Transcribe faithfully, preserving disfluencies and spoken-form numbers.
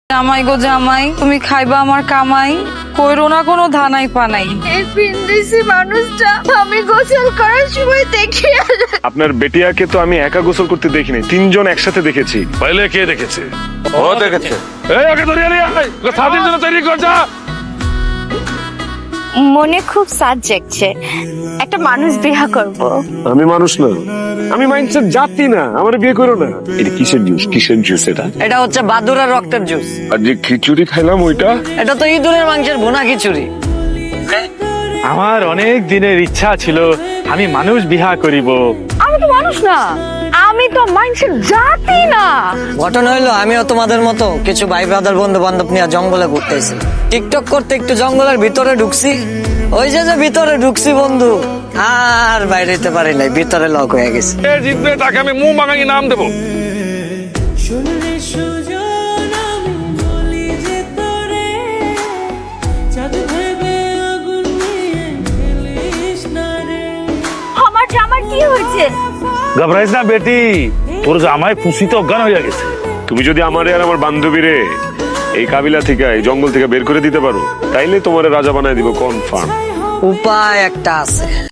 জামাই গো জামাই, তুমি খাইবা আমার কামাই, কইরো না কোনো ধানাই পানাই। এই পিন্দিসি মানুষটা আমি গোসল করার সময় দেখি। আপনার বেটিয়াকে তো আমি একা গোসল করতে দেখিনি, তিনজন একসাথে দেখেছি। পহলে কে দেখেছে? ও দেখেছে। এই ওকে ধরিয়ে নিয়ে আয়, ওকে সাথীর জন্য তৈরি কর যা। মনে খুব সাজ জাগছে, একটা মানুষ বিয়া করব। আমি মানুষ না, আমি মাইন্ডসেট জাতি না, আমার বিয়ে করো না। এটা কিসের জুস? কিসের জুস এটা? এটা হচ্ছে বাদুড়ার রক্তের জুস। আর যে খিচুড়ি খাইলাম ওইটা? এটা তো ইঁদুরের মাংসের ভুনা খিচুড়ি। আমার অনেক দিনের ইচ্ছা ছিল আমি মানুষ বিহা করিব। আমি তো মানুষ না, আমি তো মানুষের জাতি না। ঘটনা হইলো আমিও তোমাদের মতো কিছু ভাই ব্রাদার বন্ধু বান্ধব নিয়ে জঙ্গলে ঘুরতেছি। টিকটক করতে একটু জঙ্গলের ভিতরে ঢুকছি, ওই যে যে ভিতরে ঢুকছি বন্ধু, আর বাইরে যেতে পারি নাই, ভিতরে লক হয়ে গেছে। এ জিতবে তাকে আমি মুখ মাগাই নাম দেবো। আমার জামার কি হয়েছে? ঘবরাইস না বেটি, তোর জামাই খুশিতে অজ্ঞান হয়ে গেছে। তুমি যদি আমারে আর আমার বান্ধবীরে এই কাবিলা থেকে, এই জঙ্গল থেকে বের করে দিতে পারো, তাইলে তোমারে রাজা বানায় দিব কনফার্ম। উপায় একটা আছে।